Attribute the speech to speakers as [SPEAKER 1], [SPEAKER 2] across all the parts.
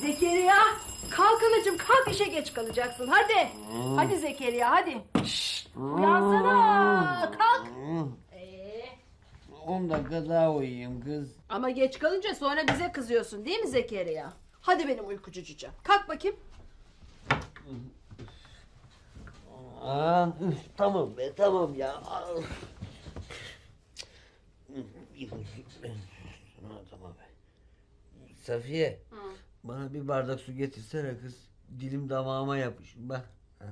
[SPEAKER 1] Zekeriya, kalk anacığım, kalk, işe geç kalacaksın. Hadi. Hadi Zekeriya, hadi. Şşt, uyansana. Kalk.
[SPEAKER 2] 10 dakika daha uyuyayım kız.
[SPEAKER 1] Ama geç kalınca sonra bize kızıyorsun değil mi Zekeriya? Hadi benim uykucu cücem. Kalk bakayım.
[SPEAKER 2] Tamam be, tamam ya. Tamam be. Safiye, bana bir bardak su getirsene kız. Dilim damağıma yapış. Bak.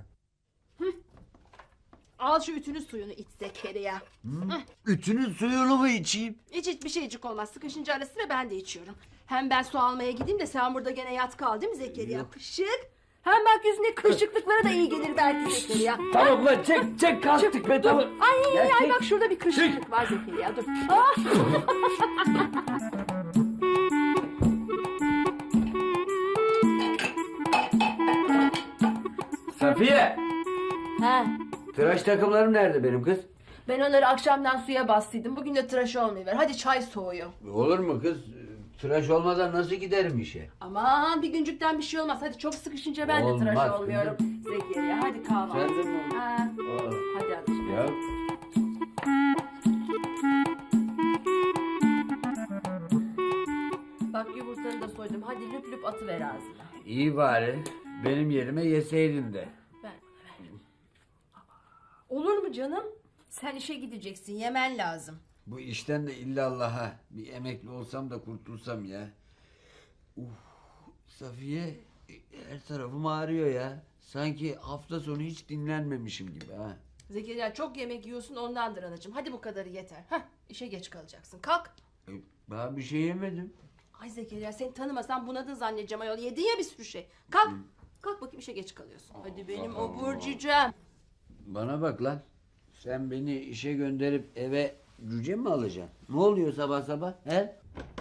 [SPEAKER 1] Al şu ütünün suyunu iç Zekeriya.
[SPEAKER 2] Ütünün suyunu mu içeyim?
[SPEAKER 1] İç hiçbir şeycik olmaz. Sıkışınca ara sıra ben de içiyorum. Hem ben su almaya gideyim de sen burada gene yat kal değil mi Zekeriya?
[SPEAKER 2] Yok.
[SPEAKER 1] Pışık. Hem bak yüzüne kırışıklıklara da iyi gelir belki Zekeriya.
[SPEAKER 2] Tamam lan, çek kalktık be, tamam.
[SPEAKER 1] Ay bak şurada bir kırışıklık var Zekeriya, dur. Ah!
[SPEAKER 2] Safiye,
[SPEAKER 1] He.
[SPEAKER 2] tıraş takımlarım nerede benim kız?
[SPEAKER 1] Ben onları akşamdan suya bastıydım. Bugün de tıraş olmayıver. Hadi çay soğuyor.
[SPEAKER 2] Olur mu kız? Tıraş olmadan nasıl giderim işe?
[SPEAKER 1] Aman bir güncükten bir şey olmaz. Hadi çok sıkışınca ben de tıraş
[SPEAKER 2] Olmaz
[SPEAKER 1] olmuyorum. Zekeriya hadi kahvaltı.
[SPEAKER 2] Sen de mi?
[SPEAKER 1] Ha. Hadi anneciğim.
[SPEAKER 2] Ya.
[SPEAKER 1] Bak yumurtanı da soydum. Hadi lüp lüp atıver ağzına.
[SPEAKER 2] İyi bari. Benim yerime yeseydin de.
[SPEAKER 1] Ver bana ver. Olur mu canım? Sen işe gideceksin. Yemen lazım.
[SPEAKER 2] Bu işten de illallah'a bir emekli olsam da kurtulsam ya. Safiye, her tarafım ağrıyor ya. Sanki hafta sonu hiç dinlenmemişim gibi ha.
[SPEAKER 1] Zekeriya çok yemek yiyorsun ondandır anacığım. Hadi bu kadarı yeter. Hah, işe geç kalacaksın. Kalk.
[SPEAKER 2] Ben bir şey yemedim.
[SPEAKER 1] Ay Zekeriya seni tanımasam bunadın zannedeceğim ayol. Yedin ya bir sürü şey. Kalk. Kalk bakayım işe geç kalıyorsun. Hadi benim obur cücem.
[SPEAKER 2] Bana bak lan. Sen beni işe gönderip eve cüce mi alacaksın? Ne oluyor sabah sabah? He?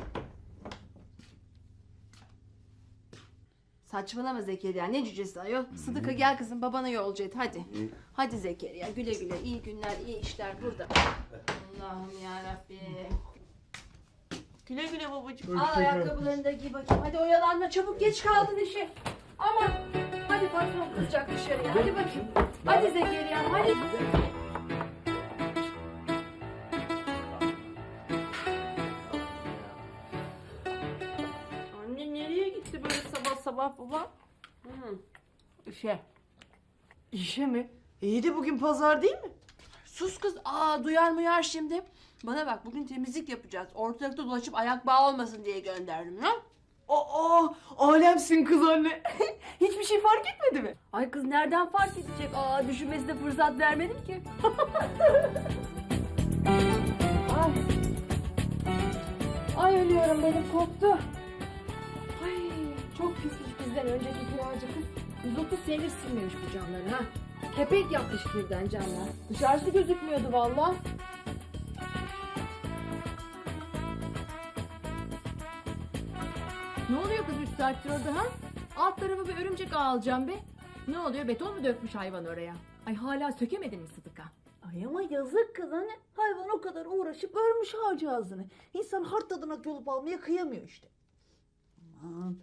[SPEAKER 1] Saçmalama Zekeriya, ne cücesi ayol. Sıdıka gel kızım, babana yolcu et hadi. Hadi Zekeriya, güle güle, iyi günler, iyi işler burada. Allah'ım yarabbim. Güle güle babacığım. Al ayakkabılarını da giy bakayım. Hadi oyalanma, çabuk geç kaldın işe. Aman hadi patron kızacak dışarıya. Hadi bakayım. Hadi Zekeriya, hadi. Anne nereye gitti böyle sabah sabah baba? İşe.
[SPEAKER 3] İşe mi? İyi de bugün pazar değil mi?
[SPEAKER 1] Sus kız. Duyar muyar şimdi. Bana bak bugün temizlik yapacağız. Ortalıkta dolaşıp ayak bağı olmasın diye gönderdim ha.
[SPEAKER 3] Aa, alemsin kız anne. Hiçbir şey fark etmedi mi?
[SPEAKER 1] Ay kız nereden fark edecek? Düşünmesine fırsat vermedim ki. Ay. Ay ölüyorum benim koptu. Ay çok pismiş bizden önceki kiracı kız. 130 senedir silmemiş bu camları ha. Kepek yapmış birden camlar. Dışarısı gözükmüyordu vallahi. Ne oluyor kız 3 saattir orada ha? Alt tarafı bir örümcek ağ alacağım be. Ne oluyor, beton mu dökmüş hayvan oraya? Ay hala sökemedin mi Sıdıka?
[SPEAKER 3] Ay ama yazık kız anne. Hayvan o kadar uğraşıp örmüş ağacağızını. İnsan hart tadına yolup almaya kıyamıyor işte. Aman.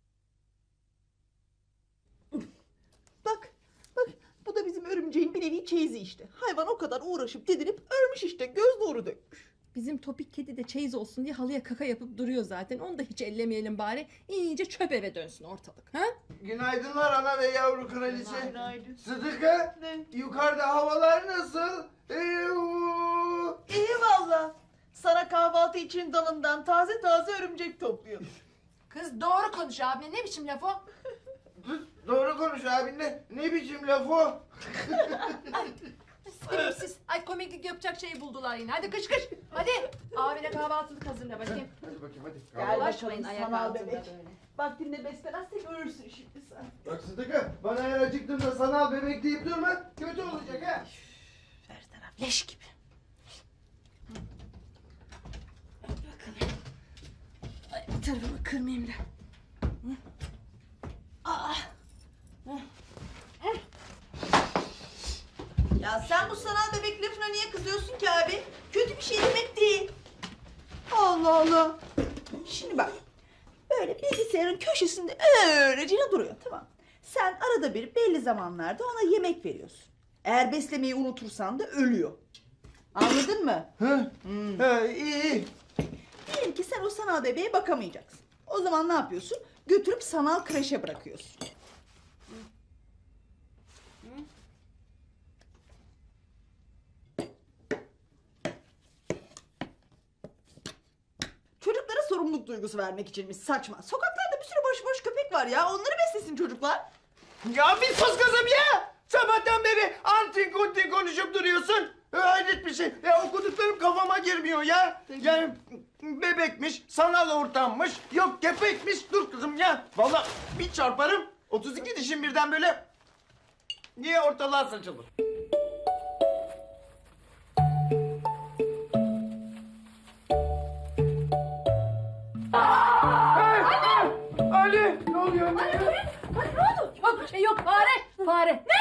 [SPEAKER 3] Bak, bak bu da bizim örümceğin bir nevi çeyizi işte. Hayvan o kadar uğraşıp didinip örmüş işte. Göz nuru dökmüş.
[SPEAKER 1] Bizim topik kedi de çeyiz olsun diye halıya kaka yapıp duruyor zaten. Onu da hiç ellemeyelim bari. İyice çöp eve dönsün ortalık. Ha?
[SPEAKER 4] Günaydınlar ana ve yavru kraliçe.
[SPEAKER 3] Günaydın.
[SPEAKER 4] Sıdıka,
[SPEAKER 3] Ne?
[SPEAKER 4] yukarıda havalar nasıl?
[SPEAKER 3] İyi valla. Sana kahvaltı için dalından taze taze örümcek topluyordum.
[SPEAKER 1] Kız doğru konuş abine. Ne biçim laf o?
[SPEAKER 4] Doğru konuş abinle. Ne biçim laf o?
[SPEAKER 1] Sevimsiz. Ay komiklik yapacak şeyi buldular yine. Hadi kış kış. Hadi. Abine kahvaltılık hazırla bakayım.
[SPEAKER 4] Hadi bakayım hadi.
[SPEAKER 3] Gel
[SPEAKER 1] Ulaşmayın
[SPEAKER 3] bakalım
[SPEAKER 1] ayak
[SPEAKER 3] sanal
[SPEAKER 1] altında
[SPEAKER 3] bebek.
[SPEAKER 1] böyle.
[SPEAKER 3] Vaktinde beslemezse görürsün şimdi sen.
[SPEAKER 4] Bak Sıdıka, bana her acıktığımda sanal bebek deyip durma. Kötü olacak ha.
[SPEAKER 1] Her taraf leş gibi. Hadi bakalım. Ay, bir tarafımı kırmayayım da.
[SPEAKER 3] Ya sen bu sanal bebek lafına niye kızıyorsun ki abi? Kötü bir şey demek değil. Allah Allah. Şimdi bak. Böyle bilgisayar bilgisayarın köşesinde öylece duruyor, tamam mı? Sen arada bir belli zamanlarda ona yemek veriyorsun. Eğer beslemeyi unutursan da ölüyor. Anladın mı?
[SPEAKER 4] İyi.
[SPEAKER 3] Diyelim ki sen o sanal bebeğe bakamayacaksın. O zaman ne yapıyorsun? Götürüp sanal kreşe bırakıyorsun. Çocuklara sorumluluk duygusu vermek içinmiş, saçma. Sokaklarda bir sürü boş köpek var ya. Onları beslesin çocuklar.
[SPEAKER 4] Ya bir sus kızım ya. Sabahtan beri antin kuntin konuşup duruyorsun. Hayret bir şey. Ya okuduklarım kafama girmiyor ya. Yani bebekmiş, sanal ortammış, yok köpekmiş. Dur kızım ya. Vallahi bir çarparım. 32 dişim birden böyle niye ortalığa saçılır? Ali! Ne oluyor?
[SPEAKER 1] Ay ne oldu? Yok bir şey yok, fare. Fare. Ne?